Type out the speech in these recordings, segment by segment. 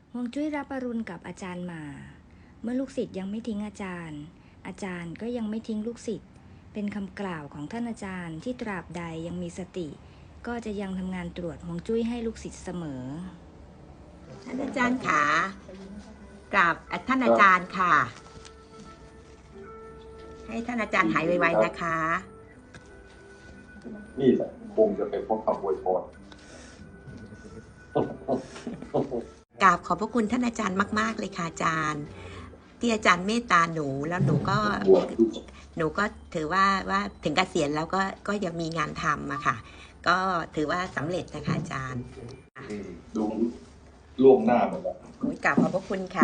ฮวงจุ้ยรับอรุณกับอาจารย์มาเมื่อลูกศิษย์ยังไม่ทิ้งอาจารย์ อาจารย์ก็ยังไม่ทิ้งลูกศิษย์เป็นคำกล่าวของท่านอาจารย์ที่ตราบใดยังมีสติ ก็จะยังทำงานตรวจฮวงจุ้ยให้ลูกศิษย์เสมอท่านอาจารย์ขากราบท่านอาจารย์ค่ะ ให้ท่านอาจารย์หายไวๆนะคะนี่แหละคงจะเป็นพวกคำอวยพรกราบขอบพระคุณท่านอาจารย์มากๆเลยค่ะอาจารย์ที่อาจารย์เมตตาหนูแล้วหนูก็ถือว่าถึงเกษียณแล้วก็ยังมีงานทำอะค่ะก็ถือว่าสำเร็จนะคะอาจารย์ดูล่วงหน้าหมดแล้วกราบขอบพระคุณค่ะ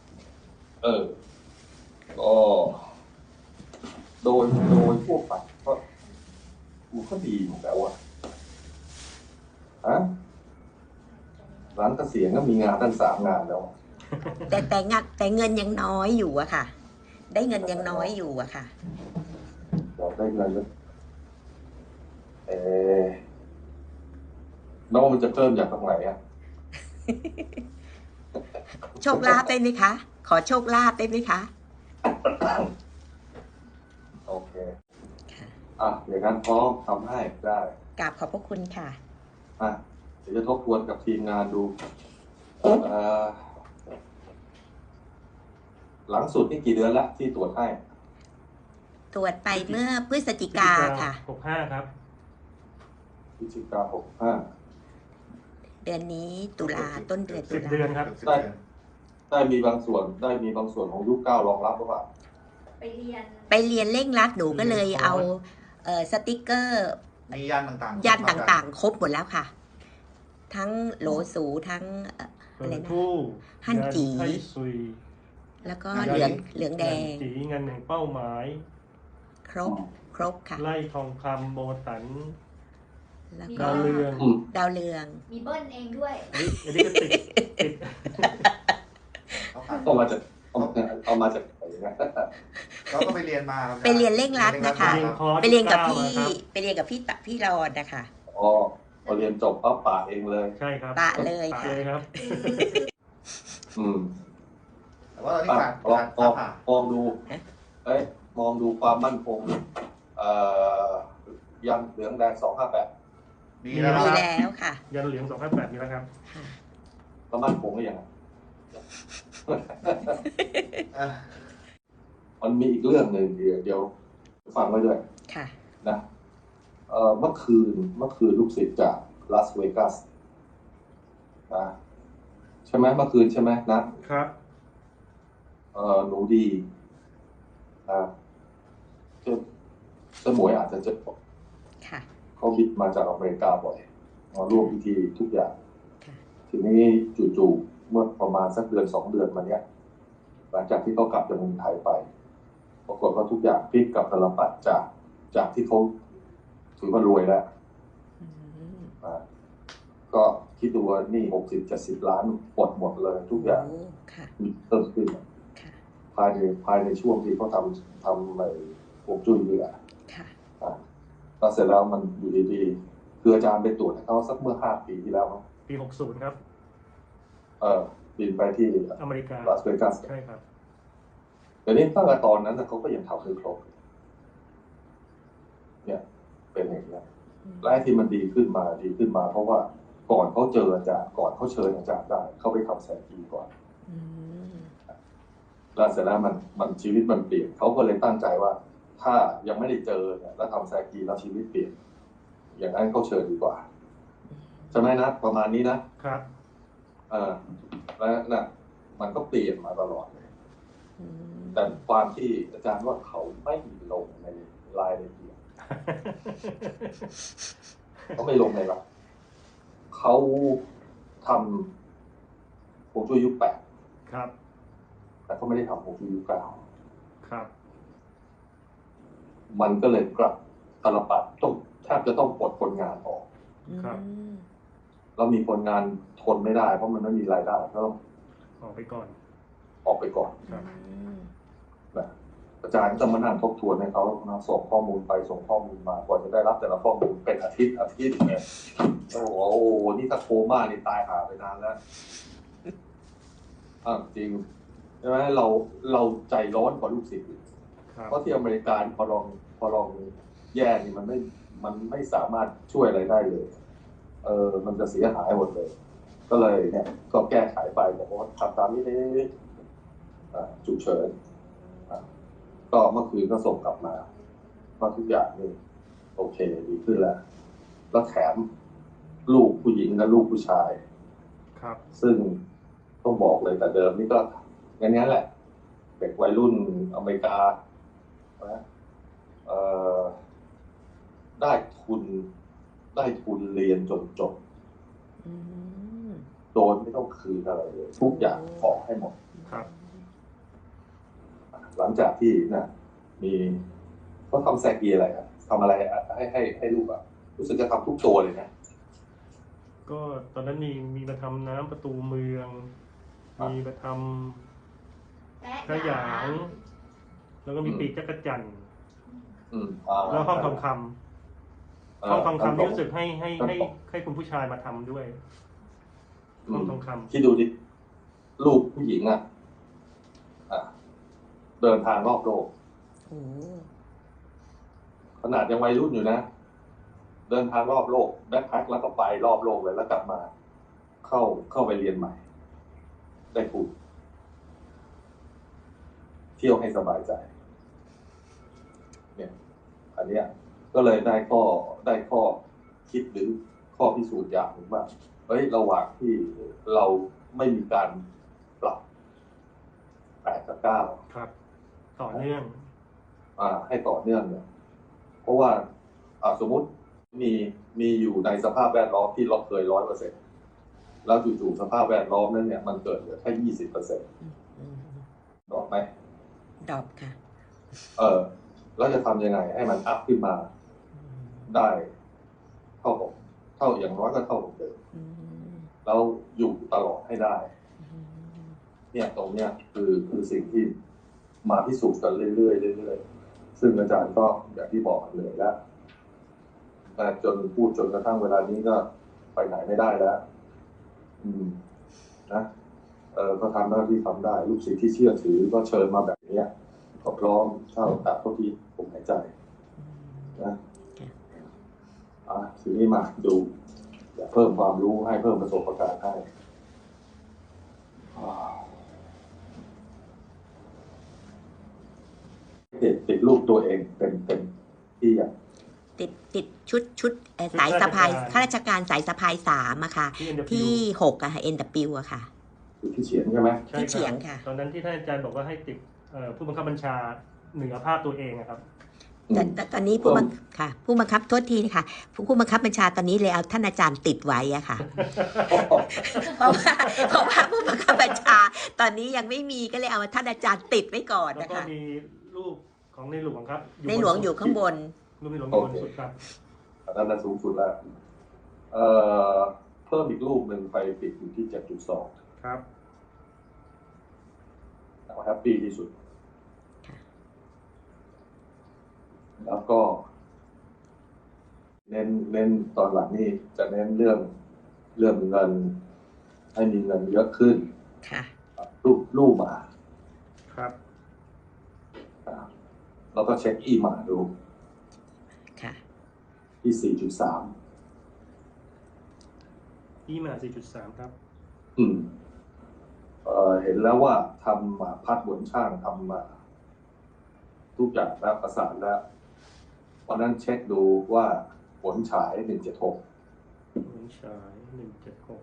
ก็โดยทั่วไปก็มันก็ดีอยู่แล้วอะหลังเกษียณก็มีงานตั้ง3 งานแล้วแต่เงินยังน้อยอยู่อะค่ะได้เงินยังน้อยอยู่อะค่ะเราได้เงินแล้วน้องมันจะเพิ่มจากตรงไหนอะโชคลาภได้ไหมคะ ขอโชคลาภได้ไหมคะโอเคอย่างนั้นพร้อมทำให้ได้กราบขอบพระคุณค่ะเดี๋ยวจะทบทวนกับทีมงานดูหลังสุดนี่กี่เดือนแล้วที่ตรวจให้ตรวจไปเมื่อพฤศจิกาค่ะ 65ครับพฤศจิกา65 เดือนนี้ตุลาต้นเดือนตุลา 10 เดือนครับได้มีบางส่วนของยุค9รองรับหรือเปล่าไปเรียนเร่งรัดหนูก็เลยเอาสติกเกอร์มียันต่างๆครบหมดแล้วค่ะทั้งโหลสูทั้งอะไรนะฮั่นจีแล้วก็เหลืองแดงจีเงินแห่งเป้าหมายครบค่ะไล่ทองคำโบตันแล้วก็ดาวเรืองมีเบิ้ลเองด้วยอันนี้ก็ติดเอามาจากไหนนะเราก็ไปเรียนมาไปเรียนเร่งรัดนะคะไปเรียนกับพี่รอดนะคะพอเรียนจบปั๊บปะเองเลยใช่ครับปะเลยค่ะแต่ว่าเราที่มองดูมองดูความมั่นคงยันเหลืองแดง258 มีแล้วค่ะยันเหลือง258มีแล้วครับแล้วมั่นคงหรือยังมันมีอีกเรื่องหนึ่งเดี๋ยวฟังไว้ด้วยนะเมื่อคืนลูกศิษย์จากลาสเวกัสนะใช่ไหมเมื่อคืนใช่ไหมนะครับหนูดีเจ้าหมวยอาจจะเจอเขาบินมาจากอเมริกาบ่อยมาร่วมพิธีทุกอย่างทีนี้จู่ๆเมื่อประมาณสักเดือน2 เดือนมาเนี้ยหลังจากที่เขากลับจากเมืองไทยไปปรากฏว่าทุกอย่างพลิกกลับตลปัดจากที่เขาถือว่ารวยแล้วก็คิดดูว่านี่60-70 ล้านหมดเลยทุกอย่างเพิ่มขึ้นภายในช่วงที่เขาทำในฮวงจุ้ยนี่แหละแล้วเสร็จแล้วมันอยู่ดีๆคืออาจารย์ไปตรวจเขาสักเมื่อ5 ปีที่แล้วปี60ครับบินไปที่อเมริกาลาสเวกัสใช่ครับแต่นี่ตั้งแต่ตอนนั้นเขาก็ยังทำไม่ครบเนี่ยเป็นอย่างนี้และที่มันดีขึ้นมาเพราะว่าก่อนเขาเจออาจารย์ก่อนเขาเชิญอาจารย์ได้เขาไปทำแสกีก่อนแล้วเสร็จแล้วมันชีวิตมันเปลี่ยนเขาก็เลยตั้งใจว่าถ้ายังไม่ได้เจอเนี่ยแล้วทำแสกีแล้วชีวิตเปลี่ยนอย่างนั้นเขาเชิญดีกว่าใช่ไหมนะประมาณนี้นะครับแล้วนะมันก็เปลี่ยนมาตลอดเลยแต่ความที่อาจารย์ว่าเขาไม่ลงในรายละเอียดเขาไม่ลงในหลักเขาทำฮวงจุ้ยยุค8 ครับแต่เขาไม่ได้ทำฮวงจุ้ยยุค9 ครับมันก็เลยกลับตลปัดแทบจะต้องปลดคนงานออกครับแล้วมีคนงานทนไม่ได้เพราะมันไม่มีรายได้ก็ต้องออกไปก่อนนะอาจารย์ก็จะมานั่งทบทวนให้เขาส่งข้อมูลไปส่งข้อมูลมากว่าจะได้รับแต่ละข้อมูลเป็นอาทิตย์เนี่ยโอ้โหนี่ถ้าโคม่านี่ตายหาไปนานแล้วจริงใช่ไหมเราใจร้อนกว่าลูกศิษย์เพราะที่อเมริกาพอลองแย่นี่มันไม่สามารถช่วยอะไรได้เลยมันจะเสียหายหมดเลยก็เลยเนี่ยก็แก้ไขไปบอกว่าทำตามนี้ฉุกเฉินก็เมื่อคืนก็ส่งกลับมาว่าทุกอย่างนี่โอเคดีขึ้นแล้วแถมลูกผู้หญิงและลูกผู้ชายครับซึ่งต้องบอกเลยแต่เดิมนี่ก็อย่างนี้แหละเด็กวัยรุ่นอเมริกาได้ทุนเรียนจนจบโดยไม่ต้องคืนอะไรเลยทุกอย่างขอให้หมดครับหลังจากที่นะมีเขาทำแซกีอะไรครับทำอะไรให้ลูกรู้สึกจะทำทุกตัวเลยนะก็ตอนนั้นมีมาทำน้ำประตูเมืองมีมาทำขยางแล้วก็มีปีกจักรจั่นแล้วห้องทองคำนี่รู้สึกให้คุณผู้ชายมาทำด้วยห้องทองคำที่ดูดิลูกผู้หญิงเดินทางรอบโลกขนาดยังวัยรุ่นอยู่นะเดินทางรอบโลกแบ็คแพ็คแล้วก็ไปรอบโลกเลยแล้วกลับมาเข้าไปเรียนใหม่ได้ทุนเที่ยวให้สบายใจเนี่ยอันเนี้ยก็เลยได้ข้อคิดหรือข้อพิสูจน์อย่างหนึ่งว่าระหว่างที่เราไม่มีการปรับ8 กับ 9 ครับต่อเนื่องให้ต่อเนื่องเนี่ยเพราะว่าสมมุติมีอยู่ในสภาพแวดล้อมที่เราเคย 100%แล้วจู่ๆสภาพแวดล้อมนั้นเนี่ยมันเกิดเหลือแค่ 20%ดอกไหมดอกค่ะแล้วจะทำยังไงให้มันอัพขึ้นมาได้เท่าอย่างน้อยก็เท่าเดิมแล้วอยู่ตลอดให้ได้เนี่ยตรงเนี้ยคือสิ่งที่มาพิสูจน์กันเรื่อยๆซึ่งอาจารย์ก็อย่างที่บอกเลยแล้วแต่จนกระทั่งเวลานี้ก็ไปไหนไม่ได้แล้วนะก็ทำหน้าที่ทำได้ลูกศิษย์ที่เชื่อถือก็เชิญมาแบบนี้ก็พร้อมเท่าที่ผมหายใจนะทีนี้มาดูเพิ่มความรู้ให้เพิ่มประสบการณ์ให้ติดรูปตัวเองเป็นที่อย่างติดชุดสายสะพายข้าราชการสายสะพาย3อะค่ะที่6อะค่ะ NW อะค่ะที่เฉียงใช่ไหมที่เฉียงค่ะตอนนั้นที่ท่านอาจารย์บอกว่าให้ติดผู้บังคับบัญชาเหนือภาพตัวเองครับแต่ตอนนี้ผู้บังคับโทษทีนะคะผู้บังคับบัญชาตอนนี้เลยเอาท่านอาจารย์ติดไว้อะค่ะเพราะว่าผู้บังคับบัญชาตอนนี้ยังไม่มีก็เลยเอาท่านอาจารย์ติดไว้ก่อนนะคะแล้วก็มีรูปของในหลวงครับในหลวงอยู่ข้างบนรูปในหลวงอยู่บนสุดครับอันนั้นสูงสุดแล้วเพิ่มอีกรูปหนึ่งไปปิดอยู่ที่ 7.2 ครับแฮปปี้ที่สุดแล้วก็เน้นตอนหลังนี่จะเน้นเรื่องเงินให้มีเงินเยอะขึ้นค่ะรูปมาครับแล้วก็เช็คอีมาดูค่ะที่ 4.3 อีมา 4.3 ครับเห็นแล้วว่าทำพัดบนช่างทำมาทุกอย่างแล้วประสานแล้วตอนนั้นเช็คดูว่าผลฉาย 176 ผลฉาย176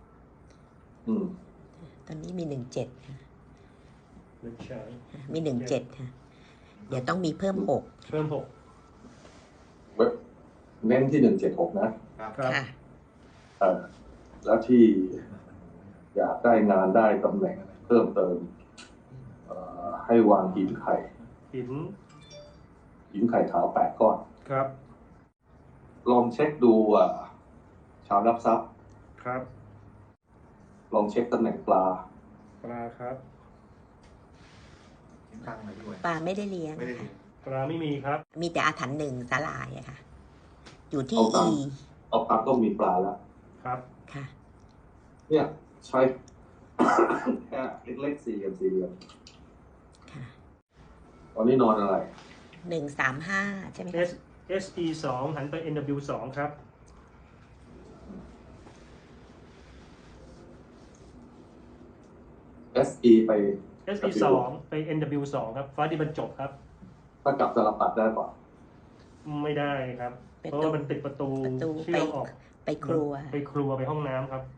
ตอนนี้มี17ค่ะผลฉายมี17ค่ะเดี๋ยวต้องมีเพิ่ม6 เน้นที่176นะครับค่ะแล้วที่อยากได้งานได้ตำแหน่งเพิ่มเติมให้วางหินไข่ขาว8 ก้อนครับลองเช็คดูชาวรับทรัพย์ครับลองเช็คตำแหน่งปลาครับปลาไม่ได้เลี้ยงปลาไม่มีครับมีแต่อาถรรพ์1สาลายอะค่ะอยู่ที่เอาปลาต้องมีปลาแล้วครับค่ะเนี่ยใช้แค่เล็กๆสี่เหลี่ยมสี่เหลี่ยมค่ะตอนนี้นอนอะไร 135 ใช่ไหมคะ SE 2หันไป NW 2ครับ SE ไป SE 2ไป NW 2ครับฟ้าดินบรรจบครับถ้ากลับตลปัดได้ป่ะไม่ได้ครับ เพราะว่ามันติดประตูเชื่อมออกไปครัวไปครัวไปห้องน้ำครับ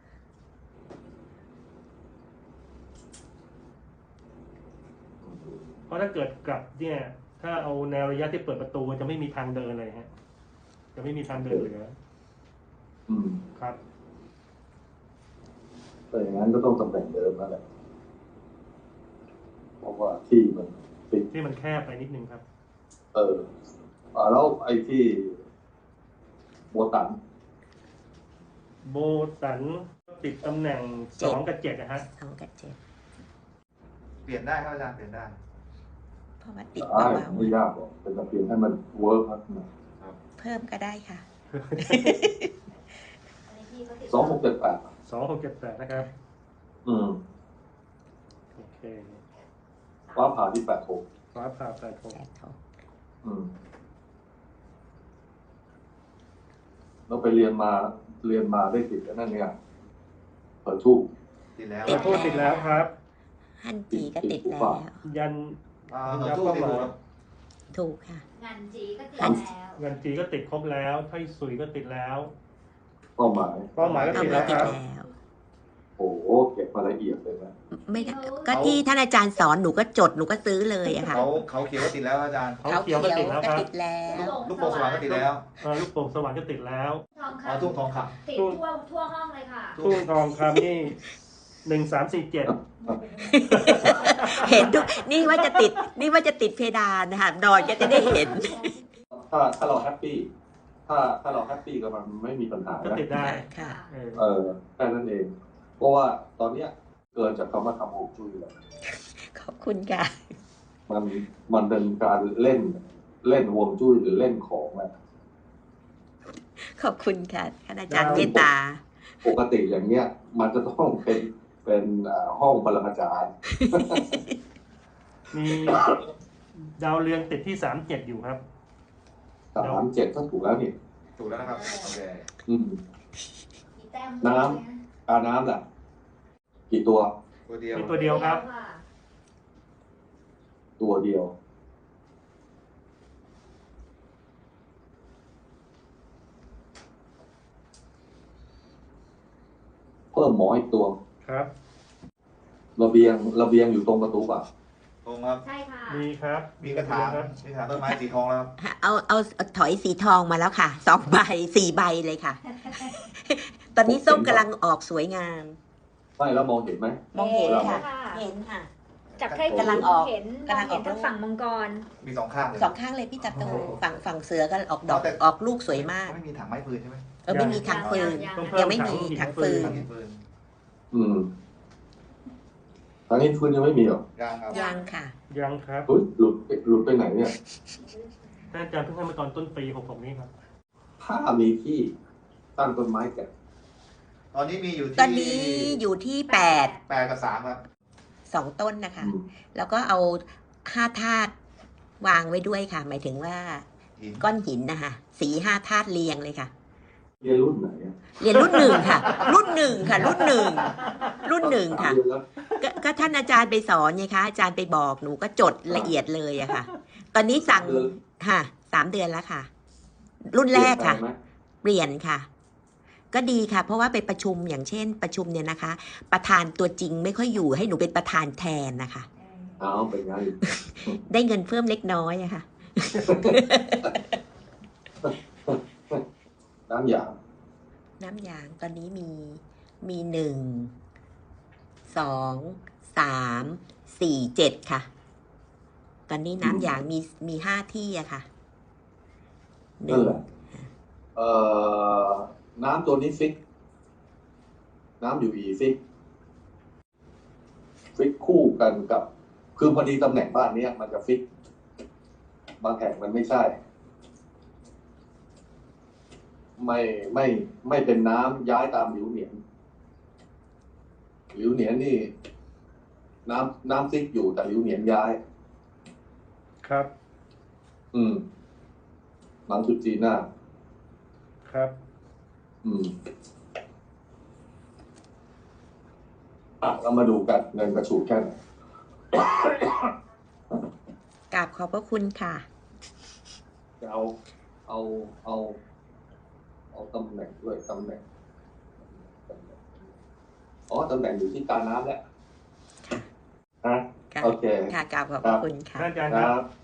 เพราะถ้าเกิดกลับเนี่ยถ้าเอาแนวระยะที่เปิดประตูมันจะไม่มีทางเดินเลยฮะจะไม่มีทางเดินเหลืออืมครับแต่อย่างนั้นก็ต้องตำแหน่งเดิมนั่นแหละเพราะว่าที่มันติดที่มันแคบไปนิดนึงครับแล้วไอ้ที่โบตันโบตันติดตำแหน่ง2 กับ 7นะฮะ 2 กับ 7 เปลี่ยนได้ครับอาจารย์เปลี่ยนได้เพราะว่าติดได้เบาไม่ยากหรอกเป็นแต่เพียงให้มันเวิร์กครับๆเพิ่มก็ได้ค่ะ 2678 2678นะครับอืมโอเคฟ้าผ่าที่86 ฟ้าผ่า8 อืมเราไปเรียนมาได้ติดแล้วนั่นเนี่ยเปิดทูบติดแล้วติดโทษติดแล้วครับฮันจีก็ติดแล้วยันต่อสู้ติดถูกครับถูกค่ะงานจีก็ติดแล้วเงินจีก็ติดครบแล้วไทสุยก็ติดแล้วเป้าหมายเป้าหมายก็เอาติดมาแล้วติคดรับแล้วโอ้โหเก็บมาละเอียดเลยนะไม่ได้ก็ที่ท่านอาจารย์สอนหนูก็จดหนูก็ซื้อเลยอะค่ะเขาเขียวก็ติดแล้วอาจารย์เขาเขียวก็ติดแล้วครับติดแล้วลูกโป่งสว่างก็ติดแล้วลูกโป่งสว่างก็ติดแล้วทองอ๋อคำทุ่งทองคติดทั่วห้องเลยค่ะทุ่งทองคำนี่1347 เห็นทุกนี่ว่าจะติดเพดานนะคะนอนก็จะได้เห็นถ้าเราแฮปปี้ถ้าเราแฮปปี้กับมันไม่มีปัญหาก็นะติดได้ค่ะแค่นั้นเอง เพราะว่าตอนเนี้ยเกินจากคำว่าทำฮวงจุ้ยแล้วขอบคุณค่ะมันเป็นการเล่นฮวงจุ้ยหรือเล่นของแหละขอบคุณค่ะท่านอาจารย์เมตตาปกติอย่างเงี้ย มันจะต้องเป็นห้องปรมาจารย์มีดาวเรืองติดที่37อยู่ครับ 37ก็ถูกแล้วนี่ำถูกแล้วนะครับ โอเคอืมมีแต้มน้ำ น้ำล่ะ กี่ตัวตัวเดียวมีตัวเดียวครับตัวเดียว เพิ่มหมออีกตัวครับระเบียงอยู่ตรงประตูป่ะตรงครับใช่ค่ะมีครับมีกระถางครับมีกระถางต้นไม้สีทองแล้วครับเอาถอยสีทองมาแล้วค่ะ2 ใบ 4 ใบเลยค่ะ ตอนนี้ส้มกำลังออกสวยงามไม่แล้วมองเห็นไหมมองเห็นค่ะค่ะเห็นค่ะจับใกล้กำลังออกเห็นกำลังออกทั้งฝั่งมังกรมี2ข้างเลย 2 ข้างเลยพี่จัตุฝั่งเสือก็ออกดอกออกลูกสวยมากไม่มีถังไม้ฟืนใช่ไหมไม่มีถังฟืนต้องเพิ่ยังมไม่ถังมีหินถังฟืฟืนนถังหินฟืนอืมทางนี้ฟื้นยังไม่มีหรอยังครับยังค่ะยังครับเฮ้ยหลุดไปไหนเนี่ยท่านอาจารย์เพิ่งให้มาตอนต้นปี66นี้ครับถ้ามีที่ตั้งต้นไม้แก่ตอนนี้มีอยู่ที่ตอนนี้อยู่ที่ 8 กับ 3 ครับ 8 2 ต้นนะคะอืมแล้วก็เอา5 ธาตุวางไว้ด้วยค่ะ หมายถึงว่าหินก้อนหินนะคะสี5 ธาตุเรียงเลยค่ะเรียนรุ่นไหนอะเรียนรุ่น 1 ค่ะ รุ่น 1 ค่ะ รุ่น 1 รุ่น 1 ค่ะเรียนแล้วก็ท่านอาจารย์ไปสอนไงคะอาจารย์ไปบอกหนูก็จดละเอียดเลยอะค่ะ ตอนนี้สั่งค่ะ3 เดือนแล้วค่ะ รุ่นแรกค่ะเปลี่ยนแปลงไหมเปลี่ยนค่ะ ก็ดีค่ะ เพราะว่าไปประชุมอย่างเช่น ประชุมเนี่ยนะคะ ประธานตัวจริงไม่ค่อยอยู่ให้หนูเป็นประธานแทนนะคะเอาเป็นไงได้เงินเพิ่มเล็กน้อยอะค่ะน้ำยางน้ำยางตอนนี้มี1 2 3 4 7ค่ะ ตอนนี้น้ำยางมี5 ที่อะค่ะนั่นแหละน้ำตัวนี้ฟิก น้ำอยู่อีฟิกคู่กันกับ คือพอดีตำแหน่งบ้านเนี้ยมันจะฟิก บางแห่งมันไม่ใช่ ไม่เป็นน้ำย้ายตามหลิวเหนียนหลิวเหนียนนี่ น้ำซิกอยู่แต่หลิวเหนียนย้ายครับหลังจุดจีนหน้าครับเรามาดูกันเงินกระฉูดแค่ไหนกราบขอบพระคุณค่ะจะเอาตำแหน่งด้วยตำแหน่งตำแหน่งอยู่ที่การน้ำแล้วค่ะโอเคค่ะกราบขอบพระคุณค่ะท่านอาจารย์คครัรับบ